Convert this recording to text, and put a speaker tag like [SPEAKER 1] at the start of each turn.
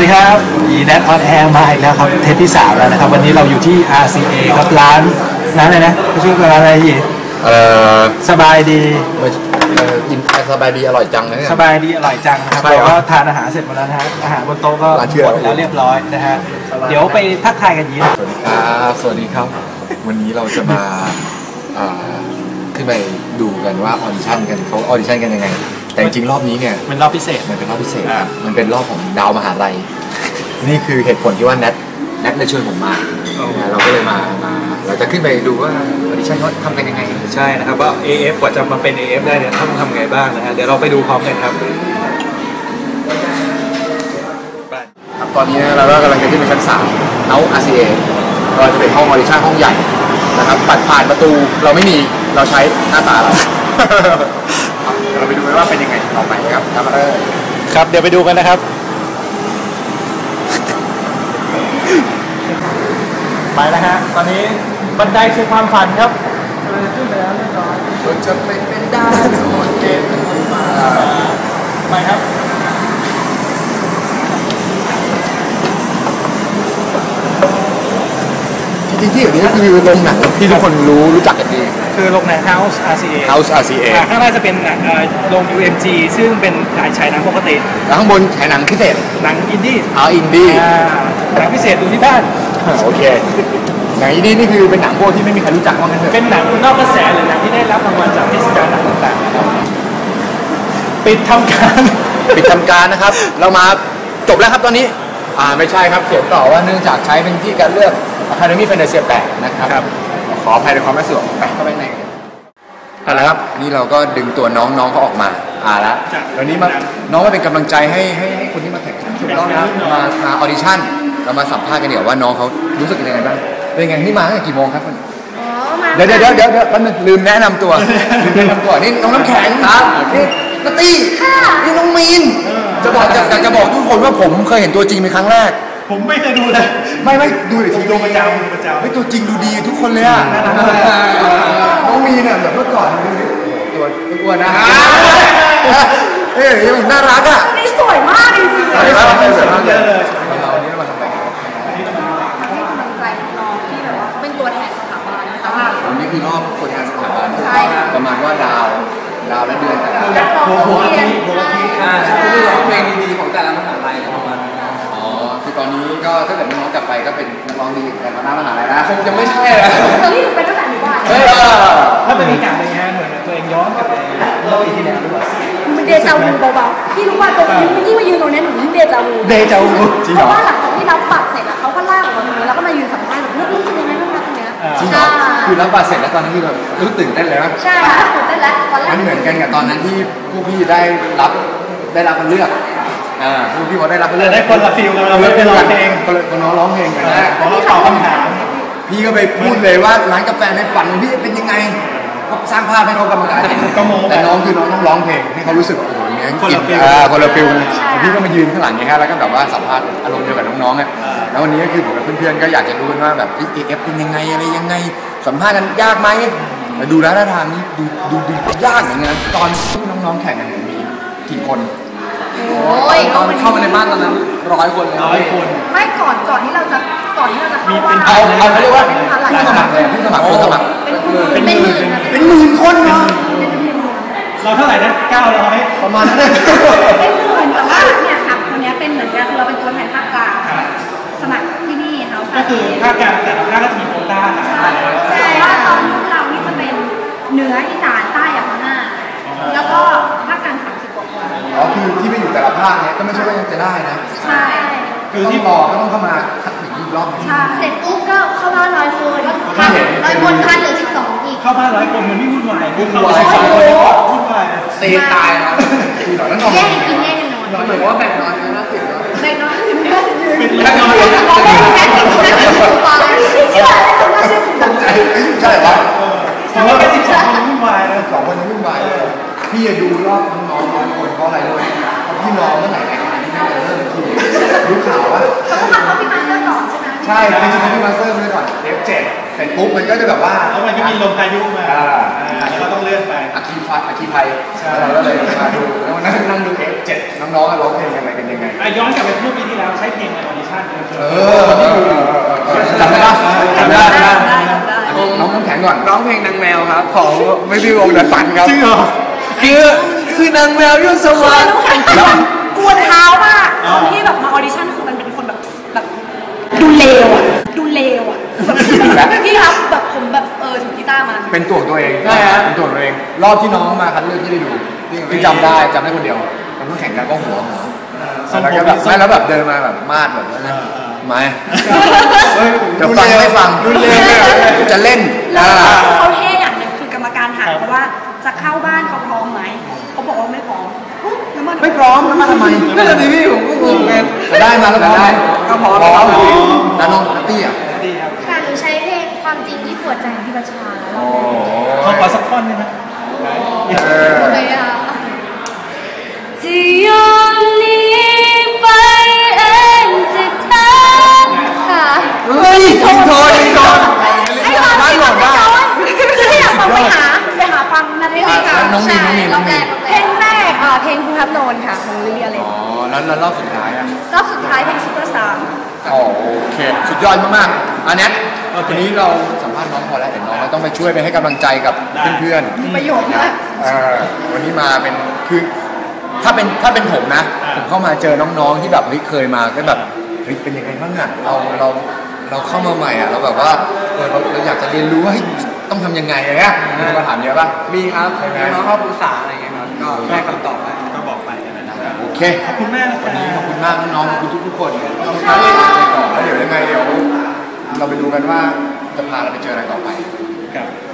[SPEAKER 1] ดีครับeNet on Air มาอีกแล้วครับเทปที่3แล้วนะครับวันนี้เราอยู่ที่ RCA ครับร้านอะไรนะชื่อร้านอะไรอีกสบายดี
[SPEAKER 2] สบายดีอร่อยจังนะ
[SPEAKER 1] สบายดีอร่อยจังนะครับเราก็ทานอาหารเสร็จหมดแล้วนะฮะอาหารบนโต๊ะก็หมดแล้วเรียบร้อยนะฮะเดี๋ยวไปทักทายกันยีนะ
[SPEAKER 2] สวัสดีครับวันนี้เราจะมาขึ้นไปดูกันว่าออดิชั่นกันเขาออดิชั่นกันยังไงแต่จริงรอบนี้เนี่ย
[SPEAKER 1] เป็นรอบพิเศษ
[SPEAKER 2] มันเป็นรอบพิเศษมันเป็นรอบของดาวมหาลัยนี่คือเหตุผลที่ว่าแนทได้ชวนผมมาเราก็เลยมาเราจะขึ้นไปดูว่าออดิชั่นเขาทำกันยังไง
[SPEAKER 1] ใช่นะครับว่า AF กว่าจะมาเป็น AF ได้เนี่ยต้องทำไงบ้างนะฮะเดี๋ยวเราไปดูพร้อมกันครับ
[SPEAKER 2] ตอนนี้เราก็กำลังจะขึ้นไปชั้น3เอา RCA เราจะเป็นห้องออดิชั่นห้องใหญ่นะครับบัตรผ่านประตูเราไม่มีเราใช้หน้าตาเราเราไปดูกันว่าเป็นยังไงต่อไปครับ
[SPEAKER 1] ครับเดี๋ยวไปดูกันนะครับไปแล้วฮะตอนนี้บันไดสู่ความฝันครับขึ้นไปแล้วเรียบร้อย
[SPEAKER 2] เราจะไปเป็นดาวหมดเกม
[SPEAKER 1] ไปครับ
[SPEAKER 2] จริงๆที่อย่างนี้ก็คือโรงหนังที่ทุกคนรู้จักกันดี
[SPEAKER 1] คือโรงหนัง House RCA ข้างหน้าจะเป็นโรง UMG ซึ่งเป็นฉายหนังปกติ
[SPEAKER 2] แล้วข้างบนฉายหนังพิเศษ
[SPEAKER 1] หนังอินดี้
[SPEAKER 2] อินดี้
[SPEAKER 1] หนังพิเศษดูที่บ้าน
[SPEAKER 2] โอเคหนังอินดี้นี่คือเป็นหนังพวกที่ไม่มีใครรู้จักว่างั้นเถอะ
[SPEAKER 1] เป็นหนังนอกกระแสหรือหนังที่ได้รับรางวัลจากเทศกาลหนังต่างๆปิดทำ
[SPEAKER 2] การนะครับเรามาจบแล้วครับตอนนี้ไม่ใช่ครับเขียนต่อว่าเนื่องจากใช้เป็นที่การเลือก Academy Fantasia 8นะครับขออภัยในความไม่สะดวกไปเข้าไปในเอาละครับนี่เราก็ดึงตัวน้องเขาออกมาแล้ววันนี้น้องมาเป็นกำลังใจให้คนที่มาแข่งถูกต้องนะมาออดิชั่นเรามาสัมภาษณ์กันเดี๋ยวว่าน้องเขารู้สึกยังไงบ้างเป็นไงนี่มาตั้งแต่กี่โมงครับเดี๋ยวแป๊บนึงลืมแนะนำตัวนี่น้องน้ำแข็งครับนี่นัตตี้นี่น้องมีนจะบอกทุกคนว่าผมเคยเห็นตัวจริงเป็นครั้งแรก
[SPEAKER 1] ผมไม่เคยดูเลย
[SPEAKER 2] ไม่ดูแต่ทีวีประจำไม่ตัวจริงดูดีทุกคนเลยอ่ะน้องมีเนี่ยแบบเมื่อก่อนตัวอ้วนนะยังน่ารักอ่ะ
[SPEAKER 3] นี่สวยมากจริงๆเลย
[SPEAKER 2] สวยมากเลยวันนี้เรามาทำอะไร
[SPEAKER 3] ให้กำลังใจน้องที่แบบว่าเป็นตัวแทนสถาบันนะคะ
[SPEAKER 2] วันนี้คือรอบตัวแทนสถาบัน
[SPEAKER 3] ใช่
[SPEAKER 2] ประมาณว่าดาวและเดือนแต่ละ
[SPEAKER 3] โหัวที่
[SPEAKER 2] คือร้องเพลงดีๆของแต่ละมหาลัยประมาณคือตอนนี้ก็ถ้าเกิดน้องกลับไปก็เป็นนักร้องดีแต่มาหน้ามหาลัยนะคงจะไม่ใช่แล้ว
[SPEAKER 3] นี่เป็นตั้งแต่หนูว่า
[SPEAKER 1] ถ้าเป็นอีกอย่างหนึ่งฮะเหมือนตัวเองย้อนกลับไปเล่าอีกทีแล้วหรือเปล่า
[SPEAKER 3] มันเดจาวูเบาๆพี่รู้ว่าตรงนี้ยิ่งมายืนตรงนี้หนูยิ่งเดจาวู
[SPEAKER 2] จริง
[SPEAKER 3] เหรอเพราะว่าหลังจากที่รับบัตรเสร็จแล้วเขาก็ลากออกมาตรงนี้แล้วก็มายืนสัมภาษณ์แบบรู้สึกยังไงบ้างคะตรงนี้
[SPEAKER 2] จริงเหรอคือรับบัตรเสร็จแล้วตอนนี้คือแบบรู้ตื่นเต้นเลย
[SPEAKER 3] มั้ยใช่ค่ะตื่นเต้นแล้วตอนแรก
[SPEAKER 2] มันเหมือนกันกับตอนนั้นที่ผู้พี่ได้รับการเลือกผู้พี่เขาได้รับเลือก
[SPEAKER 1] ได้คนละฟิลกันเราไม่ร้องเพลง
[SPEAKER 2] คนน้องร้องเพลงกัน
[SPEAKER 1] นะเราตอบคำถาม
[SPEAKER 2] พี่ก็ไปพูดเลยว่าร้านกาแฟในฝันพี่เป็นยังไงก็สร้างภาพให้เขากำลังแต่น้องคือน้องต้องร้องเพลงให้เขารู้สึกโอ้โหเงี้ยคนละฟิลพี่ก็มายืนข้างหลังอย่างเงี้ยแล้วก็แบบว่าสัมภาษณ์อารมณ์เดียวกับน้องๆอ่ะแล้ววันนี้ก็คือผมกับเพื่อนๆก็อยากจะรู้ว่าแบบAFเป็นยังไงอะไรยังไงสัมภาษณ์กันยากไหมดูแล้วท่าทางนี้ดูยากเหมือนกันตอนที่น้องๆแข่งกันมีกี่คนตอนเข้ามาในบ้านตอนนั้น100 คนเลย
[SPEAKER 1] 100 คน
[SPEAKER 3] ไม่ก่อนที่เราจะเข้าว่า
[SPEAKER 2] เอาเขาเรียกว่าผู้สมัครเลยผู้สมัคร
[SPEAKER 3] เป็นห
[SPEAKER 2] มื่นคนเนาะ
[SPEAKER 1] เราเท่าไหร่นะ900
[SPEAKER 2] ประมาณนั้น
[SPEAKER 3] เป็นหมื่นแต่ว่าเนี่ยค่ะคนนี้เป็นเหมือนกันเราเป็นตัวแทนภาคกลางสมัครที่นี่เขา
[SPEAKER 1] ก็คือภาคกลางแต่ละภาคก็จะมีโควต้า
[SPEAKER 3] ใช่ว่าตอนเรานี่จะเป็นเหนืออีสานใต้อย่างมากแล้วก็ภาคกลาง30 กว่าคน
[SPEAKER 2] คือที่ไปอยู่แต่ละภาคเนี่ยก็ไม่ใช่ว่าจะได้นะ
[SPEAKER 3] ใช่
[SPEAKER 2] คือที่รอก็ต้องเข้ามาคัดถึงอีกรอบนึง
[SPEAKER 3] เสร็จปุ๊บก็เข้าบ้าน100 คน100 คนคัดเหลือ12อีก
[SPEAKER 1] เข้าบ้าน100 คนมันไม่วุ่นวาย
[SPEAKER 2] วุ่น
[SPEAKER 1] วาย
[SPEAKER 2] ตีตายนะ
[SPEAKER 3] แย่กินแย่นอน
[SPEAKER 2] เหมือนว่าแบ่งนอนกันนะ
[SPEAKER 3] แบ่งนอนถึง50
[SPEAKER 1] แบ่งนอน
[SPEAKER 2] ใช่เหรอ
[SPEAKER 1] แต่ว่าแค่12 คนวุ่นวายนะ
[SPEAKER 2] 2 คนวุ่นวายพี่จะดูรอบน้อง100 คนเพราะอะไรด้วยพี่น้องเมื่อไหร่ไงเริ่มทีรู้ข่าวว่า
[SPEAKER 3] เขาต้องทำคอฟฟี่มาสเตอร์ก่อนใช่ไหม
[SPEAKER 2] ใช่เป็นคอฟฟี่มาสเตอร์ไปก่อนF7 เสร็จปุ๊บมันก็จะแบบว่า
[SPEAKER 1] แล้วมันก็มีลมพายุมาแล้วก็ต้องเลื่อนไป
[SPEAKER 2] อาอาคีไทยเราก็เลยมาดูนั่งดูF7น้องๆร้องเพลงอะไรกันยังไง
[SPEAKER 4] ย้อนกลับไปเมื่อปีที่แล้วใช้เพลงในออดิชั่น
[SPEAKER 2] จำได้ปะจำได้น้องน้ำแข็งก่อนร้องเพลงนางแมวครับของไม่พี่วงเดอะฟันครับจริงเหรอคือนางแมวยุ่งสวรรค์
[SPEAKER 3] กวนเท้ามากตอนที่แบบมาออดิชั่นคือมันเป็นคนแบบดูเลวอ่ะพี่ครับแบบผมแบบถือกีตาร์มา
[SPEAKER 2] เป็นตัวตัวเองใช่ฮะเป็นตัวตัวเองรอบที่น้องมาคัดเลือกที่ได้ดูที่จำได้คนเดียวมันต้องแข่งกันก็หัวแล้วก็แบบไม่แล้วแบบเดินมาแบบมาดแบบนั้นไม่จะฟังไม่ฟังจะเล่น
[SPEAKER 3] เขาเท่อย่างนึงคือกรรมการถามเพราะว่าจะเข้าบ้านเขาพร้อมไหมเขาบอกว่าไม่พร้อม
[SPEAKER 2] ไม่พร้อมแล้วมาทำไมนั่นแหละดิพี่ผมก็งงไงได้มาแล้วได้ก็พร้อมแล้วน้องตี้อ่ะ
[SPEAKER 3] ค่ะหนูใช้เพลงความจริงที่ปวดใจของพี่บัญชา
[SPEAKER 4] เขาขอสักท่อนได้ไหม
[SPEAKER 3] จะยอมหนีไปเองจะทักค่ะ
[SPEAKER 2] เฮ้ยยิงโทน
[SPEAKER 3] ได้หมดได้คือถ้าอยากฟังไปหาฟังนั่นได้เลยค่ะ
[SPEAKER 2] น้องมี
[SPEAKER 3] เพลงแรกเพลงคุณทับโนนค่ะของลิเลียเลย
[SPEAKER 2] แล้วรอบสุดท้าย
[SPEAKER 3] รอบสุดท้ายเพลงซุปเปอร์สตาร์
[SPEAKER 2] โอเคสุดยอดมากๆอันนี้วันนี้เราสัมภาษณ์น้องพอแล้วเดี๋ยวน้องต้องไปช่วยไปให้กำลังใจกับเพื่อน
[SPEAKER 3] ๆประโยชน์มาก
[SPEAKER 2] วันนี้มาเป็นคือถ้าเป็นผมนะผมเข้ามาเจอน้องๆที่แบบเคยมาก็แบบเป็นยังไงบ้างอ่ะเราเข้ามาใหม่อ่ะเราแบบว่าเราอยากจะเรียนรู้ว่าต้องทำยังไงอะไรเงี้ยมีคำถามเยอะป่ะ
[SPEAKER 1] มีครับน้องเข้าปรึกษาอะไรเงี้ยครับก็ได้คำตอบไป
[SPEAKER 4] ก็บอกไปนะครับ
[SPEAKER 2] โอเค
[SPEAKER 4] ขอบคุณแม่
[SPEAKER 2] วันนี้ขอบคุณมากน้องๆขอบคุณทุกคนขอบคุณมากเลยต่อแล้วเดี๋ยวยังไงเราไปดูกันว่าจะพาเราไปเจออะไรต่อไป
[SPEAKER 4] ครับ